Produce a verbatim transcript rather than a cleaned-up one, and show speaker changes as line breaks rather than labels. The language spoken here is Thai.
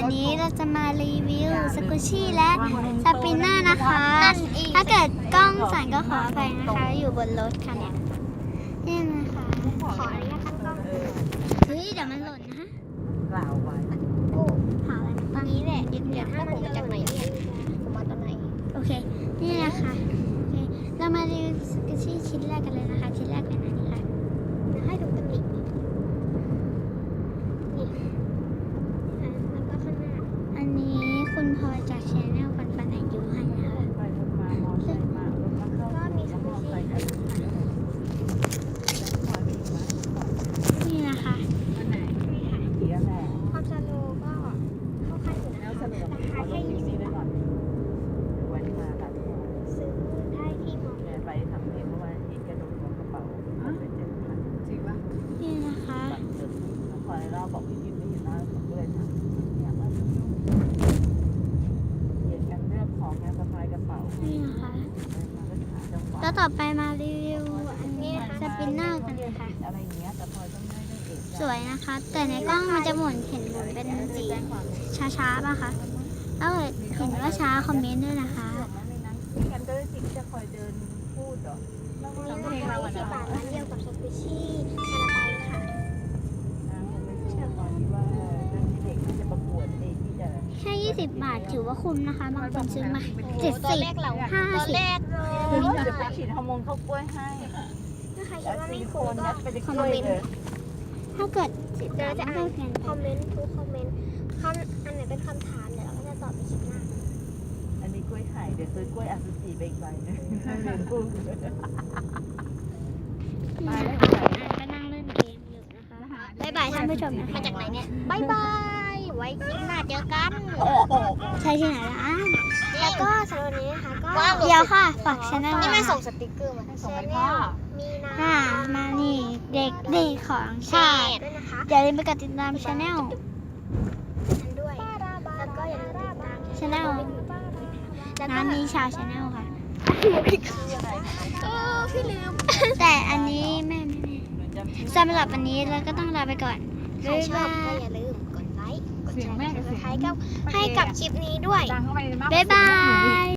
วันนี้เราจะมารีวิวสกูชี่และสปินเนอร์นะคะ ถ้าเกิดกล้องสั่นก็ขออภัยนะคะ อยู่บนรถค่ะเนี่ยนี่นะคะ ขออนุญาตตั้งกล้องเฮ้ยเดี๋ยวมันหล่นนะฮะ
กล่าวไว้
โอ้หาอะไรมาตั้งนี้แหละ
เดี๋ยวถ้าผมมาจากไหนเนี่ยผมมาตอนไหน
โอเค นี่นะคะโอเคเรามารีวิวสกูชี่ชิ้นแรกกันเลยนะคะ ชิ้นแรกเป็นอันนี้ค่ะ
ให้ดูตำหนินี่อ่ะแล้วก็ข้างหน้า
อันนี้คุณพลอยจากชาแนลปันปันอายุให้นะคะ
ไปรถมามอไซค์มารถมาเข้า
ก็มีส
ม
กู
อไซ
ชี่
ค์กันคอยไปอีกไหม
นี่นะคะ
วันไหนเสียแหละ
ความสโลว์ก็เข้าขั้นอยู่
แล้
นะ
วส
คะ
นุก
ราคา
เอาล
แค่
ง
ยี่
ที่
สิ
นี่
บ
ไว้ก่อนวันมาตัด
ซื้อได้ที่มอ
แม่ไปทำเองเมื่อวานอีกกระดูกของกระเป๋าเป็นเจ็ดพันจริงปะ
นี่นะคะ
บัตรเติมแล้วพอเราบอกพี่พิมไม่เห็นหน้าผมก็เลยถามเนี่ยว่าเหยียดกันเลือกของงานสะพายกระเป๋า
นี่นะคะ
มาก็หาจังหวะ
แล้วต่อไปมารีวิวอันนี้สปินเนอร์กันค่ะ
อะไรอย่างเงี้ยแต่พอต้องได้ได้เอก
สวยนะคะ แต่ในกล้องมันจะหมุนเห็นหมุนเป็นสีช้าๆป่ะคะถ้าเกิดเห็นว่าช้าคอมเมนต์ด้วยนะคะ
ไม่งั้นก็ได้สิ่งจะคอยเดินพูดเหรอ
นี่นะคะยี่สิบบาทร้านเดียวกับสกูชี่คาราบาวเลยค่ะ
นะผมไม่เชื่อตอนที่ว่าเรื่องที่เด็กที่จะประกวดเองที่จะ
แค่ยี่สิบบาทถือว่าคุ้มนะคะ บางคนซื้อมาเจ็ด
ตอน
สิบ
แรกเรา
ห้า
ตอน
สิบ
แรก
เดี๋ยวไปฉีดฮอร์โมนเข้ากล้วยให้
ถ้าใครคิ
แล้
ด
ว
ว่า
ซิ
ไม่
ลิโค
คุ้ม
น
ก็
ยัดไปในกล้วยเลย
ถ้าเกิด
เดี๋ยวเราจะอ่าน
เขียน
คอมเมนต์ทุกคอมเมนต์คำอันไหนเป็นคำถามเดี๋ยวเราก็จะตอบในคลิปหน้า
อันนี้กล้วยไข่เดี๋ยวซื้อกล้วยอาซูจิไปอีกใบนึงเรียนพูด
นี่นะคะก็นั่งเล่นเกมอยู่นะคะบ๊ายบายท่านผู้ชมนะคะ
มาจากไหนเนี่ยบายบายไว้คลิปหน้าเจอกัน
ใช่ที่ไหนล่ะ
แล้วก็สำหรับวันนี้นะคะก็
เดี๋ยวค่ะฝากชแนล
นี่แม่ส่งสติกเกอร์มา
ส่งให้พ่อ
มีนา
ค่ะ มานี่เด็กดีของชาติ
ด้วยนะคะ
อย่าลืมไปกดติดตามช anel
ฉันด้วย แล้วก็อย่าลืมติดตาม
channel
แล้วก็
น้ำนี้ชาวชาแนลค่ะ
เออพี่ลืม
แต่อันนี้แม่ไม่แม่สำหรับวันนี้เราก็ต้องลาไปก่อน
ใครชอบก็อย่าลืมกดไลค์ กดแชร์กดซับสไครต์กับให้กับคลิปนี้ด้วย
บ๊ายบาย